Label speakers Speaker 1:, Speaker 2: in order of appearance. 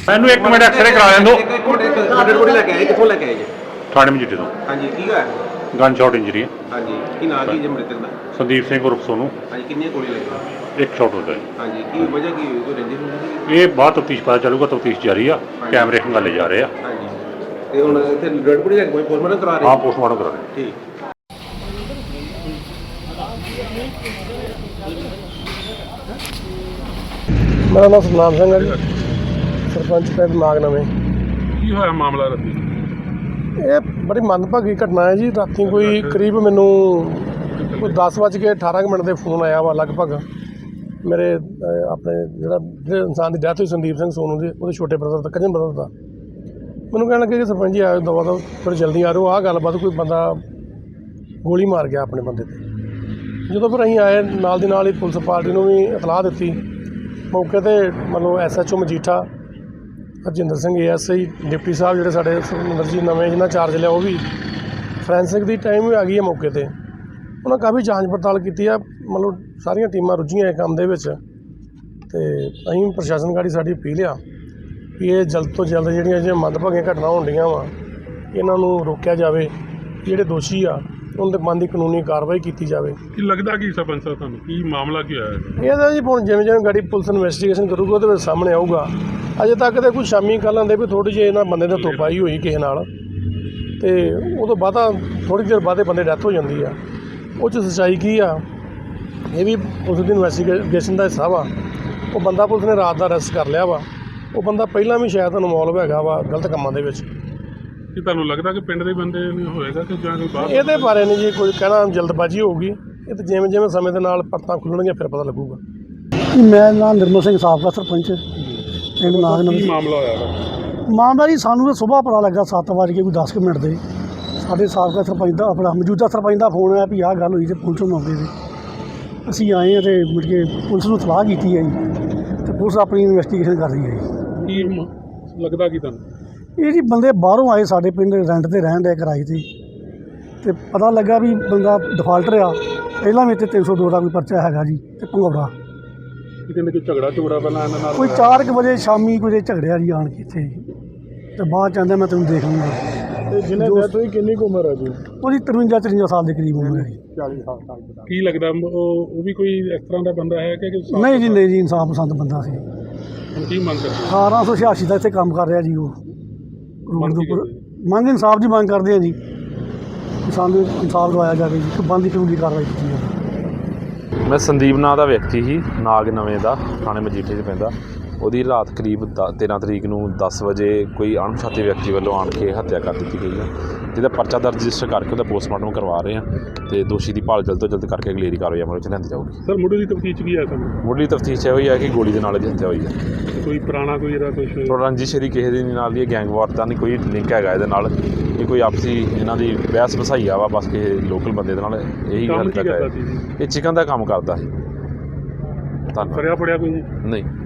Speaker 1: ਮੈਨੂੰ 1 minute x ray ਕਰਾ ਲੈਣ ਦਿਓ।
Speaker 2: ਕਿੱਥੋਂ ਲੈ ਕੇ ਆਏ ਜੀ?
Speaker 1: ਥਾਣੇ ਮਜੀਠੇ ਤੋਂ।
Speaker 2: ਹਾਂਜੀ, ਕੀ ਹੋਇਆ?
Speaker 1: ਗਨ ਸ਼ਾਟ ਇੰਜਰੀ ਹੈ।
Speaker 2: ਹਾਂਜੀ, ਕੀ ਨਾਂ ਕੀ ਜੀ ਮ੍ਰਿਤਕ ਦਾ?
Speaker 1: ਸੰਦੀਪ ਸਿੰਘ ਉਰਫ ਸੋਨੂੰ।
Speaker 2: ਹਾਂਜੀ, ਕਿੰਨੀਆਂ ਗੋਲੀਆਂ ਲੱਗੀਆਂ?
Speaker 1: 1 ਸ਼ਾਟ ਹੁੰਦਾ ਹੈ।
Speaker 2: ਹਾਂਜੀ, ਕੀ ਵਜ੍ਹਾ ਕੀ ਹੋਈ? ਕੋਈ ਰੰਜਿਸ਼ ਹੁੰਦੀ?
Speaker 1: ਇਹ ਬਾਅਦ ਤਫਤੀਸ਼ ਪਤਾ ਚੱਲੂਗਾ। ਤਫਤੀਸ਼ ਜਾਰੀ ਆ, ਕੈਮਰੇ ਖੰਗਾਲੇ ਜਾ ਰਹੇ ਆ।
Speaker 2: ਹਾਂਜੀ, ਤੇ ਹੁਣ ਇੱਥੇ ਡੈਡ ਬੋਡੀ ਲੈ ਕੇ ਕੋਈ ਪੋਸਟਮਾਰਟਮ ਕਰਾ ਰਹੇ?
Speaker 1: ਹਾਂ, ਪੋਸਟਮਾਰਟਮ ਕਰਾ ਰਹੇ।
Speaker 2: ਠੀਕ।
Speaker 3: ਮੇਰਾ ਨਾਮ ਸਤਨਾਮ ਸਿੰਘ ਹੈ ਜੀ, ਸਰਪੰਚ ਪਿੰਡ ਨਾਗ ਨਵੇਂ।
Speaker 1: ਕੀ ਹੋਇਆ ਮਾਮਲਾ ਰਾਤੀ?
Speaker 3: ਇਹ ਬੜੀ ਮੰਦਭਾਗੀ ਘਟਨਾ ਹੈ ਜੀ। ਰਾਤੀ ਕੋਈ ਕਰੀਬ ਮੈਨੂੰ ਕੋਈ 10:18 ਦੇ ਫੋਨ ਆਇਆ ਵਾ ਲਗਭਗ ਮੇਰੇ ਆਪਣੇ ਜਿਹੜੇ ਇਨਸਾਨ ਦੀ ਡੈਥ ਹੋਈ ਸੰਦੀਪ ਸਿੰਘ ਸੋਨੂ ਦੀ, ਉਹਦੇ ਛੋਟੇ ਬ੍ਰਦਰ ਦਾ, ਕਜ਼ਨ ਬ੍ਰਦਰ ਦਾ। ਮੈਨੂੰ ਕਹਿਣ ਲੱਗੇ ਕਿ ਸਰਪੰਚ ਜੀ ਆਇਓ ਦਵਾ ਦਵਾ, ਥੋੜ੍ਹੀ ਜਲਦੀ ਆ ਰਹੋ। ਆਹ ਗੱਲਬਾਤ ਕੋਈ ਬੰਦਾ ਗੋਲੀ ਮਾਰ ਗਿਆ ਆਪਣੇ ਬੰਦੇ 'ਤੇ। ਜਦੋਂ ਫਿਰ ਅਸੀਂ ਆਏ ਨਾਲ ਦੀ ਨਾਲ ਹੀ ਪੁਲਿਸ ਪਾਰਟੀ ਨੂੰ ਵੀ ਇਤਲਾਹ ਦਿੱਤੀ। ਮੌਕੇ 'ਤੇ ਮਤਲਬ SHO Majitha Harjinder Singh ASI deputy ਸਾਹਿਬ ਜਿਹੜੇ ਸਾਡੇ ਸੁਖਮਿੰਦਰ ਜੀ ਨਵੇਂ ਜਿਹਨਾਂ ਚਾਰਜ ਲਿਆ, ਉਹ ਵੀ ਫੋਰੈਂਸਿਕ ਦੀ ਟਾਈਮ ਵੀ ਆ ਗਈ ਹੈ ਮੌਕੇ 'ਤੇ। ਉਹਨਾਂ ਕਾਫੀ ਜਾਂਚ ਪੜਤਾਲ ਕੀਤੀ ਆ, ਮਤਲਬ ਸਾਰੀਆਂ ਟੀਮਾਂ ਰੁੱਝੀਆਂ ਇਹ ਕੰਮ ਦੇ ਵਿੱਚ। ਅਤੇ ਅਸੀਂ ਪ੍ਰਸ਼ਾਸਨ ਗਾੜੀ ਸਾਡੀ ਅਪੀਲ ਆ ਵੀ ਇਹ ਜਲਦ ਤੋਂ ਜਲਦ ਜਿਹੜੀਆਂ ਮੰਦਭਾਗੀਆਂ ਘਟਨਾ ਹੁੰਦੀਆਂ ਵਾ ਇਹਨਾਂ ਨੂੰ ਰੋਕਿਆ ਜਾਵੇ। ਜਿਹੜੇ ਦੋਸ਼ੀ ਆ ਉਹਨਾਂ ਦੇ ਮਨ ਦੀ ਕਾਨੂੰਨੀ ਕਾਰਵਾਈ ਕੀਤੀ ਜਾਵੇ।
Speaker 1: ਕੀ ਲੱਗਦਾ ਕੀ ਸਰਪੰਚ ਸਾਹਿਬ ਤੁਹਾਨੂੰ ਕੀ ਮਾਮਲਾ ਕੀ ਹੋਇਆ?
Speaker 3: ਇਹਦਾ ਜੀ ਹੁਣ ਜਿਵੇਂ ਜਿਵੇਂ ਗਾੜੀ ਪੁਲਿਸ ਇਨਵੈਸਟੀਗੇਸ਼ਨ ਕਰੂਗਾ ਉਹਦੇ ਵਿੱਚ ਸਾਹਮਣੇ ਆਊਗਾ। ਅਜੇ ਤੱਕ ਤਾਂ ਕੁਝ ਸ਼ਾਮੀ ਕੱਲ੍ਹ ਆਉਂਦੇ ਵੀ ਥੋੜ੍ਹੀ ਜਿਹੀ ਇਹਨਾਂ ਬੰਦੇ ਨੇ ਧੋਪਾਈ ਹੋਈ ਕਿਸੇ ਨਾਲ, ਅਤੇ ਉਹ ਤੋਂ ਬਾਅਦ ਥੋੜ੍ਹੀ ਦੇਰ ਬਾਅਦ ਬੰਦੇ ਡੈਥ ਹੋ ਜਾਂਦੀ ਆ। ਉਹ 'ਚ ਸੱਚਾਈ ਕੀ ਆ ਇਹ ਵੀ ਪੁਲਿਸ ਦੀ ਇਨਵੈਸਟੀਗੇਸ਼ਨ ਦਾ ਹਿੱਸਾ ਵਾ। ਉਹ ਬੰਦਾ ਪੁਲਿਸ ਨੇ ਰਾਤ ਦਾ ਅਰੈਸਟ ਕਰ ਲਿਆ ਵਾ। ਉਹ ਬੰਦਾ ਪਹਿਲਾਂ ਵੀ ਸ਼ਾਇਦ ਇਨਵੋਲਵ ਹੈਗਾ ਵਾ ਗਲਤ ਕੰਮਾਂ ਦੇ ਵਿੱਚ।
Speaker 1: ਕੀ ਤੁਹਾਨੂੰ ਲੱਗਦਾ ਕਿ ਪਿੰਡ ਦੇ ਬੰਦੇ ਨਹੀਂ ਹੋਏਗਾ ਕਿ ਜਾਂ ਕੋਈ ਬਾਹਰ?
Speaker 3: ਇਹਦੇ ਬਾਰੇ ਨਹੀਂ ਜੀ ਕੋਈ ਕਹਿਣਾ, ਜਲਦਬਾਜ਼ੀ ਹੋਊਗੀ। ਇਹ ਤਾਂ ਜਿਵੇਂ ਜਿਵੇਂ ਸਮੇਂ ਦੇ ਨਾਲ ਪਰਤਾਂ ਖੁੱਲਣਗੀਆਂ ਫਿਰ ਪਤਾ ਲੱਗੂਗਾ।
Speaker 4: ਮੈਂ ਨਾਮ ਨਿਰਮਲ ਸਿੰਘ ਸਾਬਕਾ ਸਰਪੰਚ ਪਿੰਡ ਨਾਗ ਨਵੇਂ।
Speaker 1: ਕੀ ਮਾਮਲਾ ਹੋਇਆ?
Speaker 4: ਮਾਮਲਾ ਜੀ ਸਾਨੂੰ ਤਾਂ ਸੁਬਾਹ ਪਤਾ ਲੱਗਾ 7:10 ਮਿੰਟ ਦੇ। ਸਾਡੇ ਸਾਬਕਾ ਸਰਪੰਚ ਦਾ ਆਪਣਾ ਮੌਜੂਦਾ ਸਰਪੰਚ ਦਾ ਫੋਨ ਆਇਆ ਵੀ ਆਹ ਗੱਲ ਹੋਈ, ਅਤੇ ਪਹੁੰਚੋ ਮੌਕੇ 'ਤੇ। ਅਸੀਂ ਆਏ ਹਾਂ ਅਤੇ ਮੁੜ ਕੇ ਪੁਲਿਸ ਨੂੰ ਸਲਾਹ ਕੀਤੀ ਹੈ ਜੀ, ਅਤੇ ਪੁਲਿਸ ਆਪਣੀ ਇਨਵੈਸਟੀਗੇਸ਼ਨ ਕਰ ਰਹੀ ਹੈ ਜੀ।
Speaker 1: ਕੀ ਲੱਗਦਾ ਕੀ ਤੁਹਾਨੂੰ?
Speaker 4: ਇਹ ਜੀ ਬੰਦੇ ਬਾਹਰੋਂ ਆਏ ਸਾਡੇ ਪਿੰਡ ਰੈਂਟ 'ਤੇ ਰਹਿਣ ਦੇ ਕਿਰਾਏ 'ਤੇ, ਅਤੇ ਪਤਾ ਲੱਗਾ ਵੀ ਬੰਦਾ ਡਿਫਾਲਟਰ ਆ। ਪਹਿਲਾਂ ਵੀ ਇੱਥੇ 302 ਦਾ ਕੋਈ ਪਰਚਾ ਹੈਗਾ ਜੀ, ਅਤੇ ਭੰਗੌੜਾ
Speaker 1: ਕਹਿੰਦੇ ਕੋਈ ਝਗੜਾ ਪਹਿਲਾਂ ਇਹਨਾਂ ਨਾਲ
Speaker 4: ਕੋਈ 4 ਵਜੇ ਸ਼ਾਮੀ ਕੋਈ ਝਗੜਿਆ ਜੀ ਆਣ ਕੇ ਇੱਥੇ, ਅਤੇ ਬਾਅਦ 'ਚ ਆਂਦਾ ਮੈਂ ਤੈਨੂੰ ਦੇਖ ਲੂੰਗਾ।
Speaker 3: ਅਤੇ ਜਿਹਨੇ ਡੈਥ ਹੋਈ ਕਿੰਨੀ ਕੁ ਉਮਰ ਹੈ ਜੀ?
Speaker 4: ਉਹਦੀ 53-54 ਸਾਲ ਦੇ ਕਰੀਬ ਉਮਰ ਹੈ ਜੀ।
Speaker 3: 40 ਸਾਲ ਤੱਕ।
Speaker 1: ਕੀ ਲੱਗਦਾ ਉਹ ਵੀ ਕੋਈ ਇਸ ਤਰ੍ਹਾਂ ਦਾ ਬੰਦਾ ਹੈ ਕਿ
Speaker 4: ਨਹੀਂ ਜੀ, ਨਹੀਂ ਜੀ, ਇਨਸਾਫ ਪਸੰਦ ਬੰਦਾ ਸੀ।
Speaker 1: ਕੀ ਮੰਗ ਕਰਦੇ?
Speaker 4: 1886 ਦਾ ਇੱਥੇ ਕੰਮ ਕਰ ਰਿਹਾ ਜੀ। ਉਹ ਰੋਡ ਦੇ ਉੱਪਰ ਮੰਗ ਇਨਸਾਫ ਦੀ ਮੰਗ ਕਰਦੇ ਆ ਜੀ ਕਿ ਸਾਨੂੰ ਇਨਸਾਫ ਦਵਾਇਆ ਜਾਵੇ ਜੀ, ਕਿ ਬਣਦੀ ਕਾਨੂੰਨੀ ਕਾਰਵਾਈ ਕੀਤੀ ਜਾਵੇ।
Speaker 5: ਮੈਂ ਸੰਦੀਪ ਨਾਂ ਦਾ ਵਿਅਕਤੀ ਸੀ, ਨਾਗ ਨਵੇਂ ਦਾ, ਥਾਣੇ ਮਜੀਠੇ 'ਚ ਪੈਂਦਾ। ਉਹਦੀ ਰਾਤ ਕਰੀਬ 13 ਤਰੀਕ ਨੂੰ 10 ਵਜੇ ਕੋਈ ਅਣਪਛਾਤੇ ਵਿਅਕਤੀ ਵੱਲੋਂ ਆਣ ਕੇ ਹੱਤਿਆ ਕਰ ਦਿੱਤੀ ਗਈ ਹੈ, ਜਿਹਦਾ ਪਰਚਾ ਦਰਜ ਰਜਿਸਟਰ ਕਰਕੇ ਉਹਦਾ ਪੋਸਟਮਾਰਟਮ ਕਰਵਾ ਰਹੇ ਹਾਂ, ਅਤੇ ਦੋਸ਼ੀ ਦੀ ਭਾਲ ਜਲਦ ਤੋਂ ਜਲਦ ਕਰਕੇ ਅਗਲੇਰੀ ਕਾਰਵਾਈ ਅਮਲ ਵਿੱਚ ਲਿਆਂਦੀ ਜਾਊਗੀ।
Speaker 1: ਸਰ ਮੁੱਢਲੀ ਤਫਤੀਸ਼ ਕੀ ਹੈ?
Speaker 5: ਮੁੱਢਲੀ ਤਫਤੀਸ਼ ਇਹੋ ਹੀ ਹੈ ਕਿ ਗੋਲੀ ਦੇ ਨਾਲ ਹੱਤਿਆ ਹੋਈ ਹੈ।
Speaker 1: ਕੋਈ ਪੁਰਾਣਾ ਕੋਈ ਇਹਦਾ ਕੁਛ
Speaker 5: ਰੰਜਿਸ਼ ਦੀ ਕਿਸੇ ਦੇ ਨਾਲ ਦੀ ਗੈਂਗਵਾਰ ਦਾ ਨਹੀਂ ਕੋਈ ਲਿੰਕ ਹੈਗਾ ਇਹਦੇ ਨਾਲ। ਇਹ ਕੋਈ ਆਪਸੀ ਇਹਨਾਂ ਦੀ ਬਹਿਸ ਵਸਾਈਆ ਵਾ ਬਸ ਕਿਸੇ ਲੋਕਲ ਬੰਦੇ ਦੇ ਨਾਲ। ਇਹੀ ਗੱਲ ਤੱਕ ਹੈ। ਇਹ ਚਿਕਨ ਦਾ ਕੰਮ ਕਰਦਾ ਸੀ। ਧੰਨਵਾਦ।
Speaker 1: ਫੜਿਆ ਕੋਈ
Speaker 5: ਨਹੀਂ।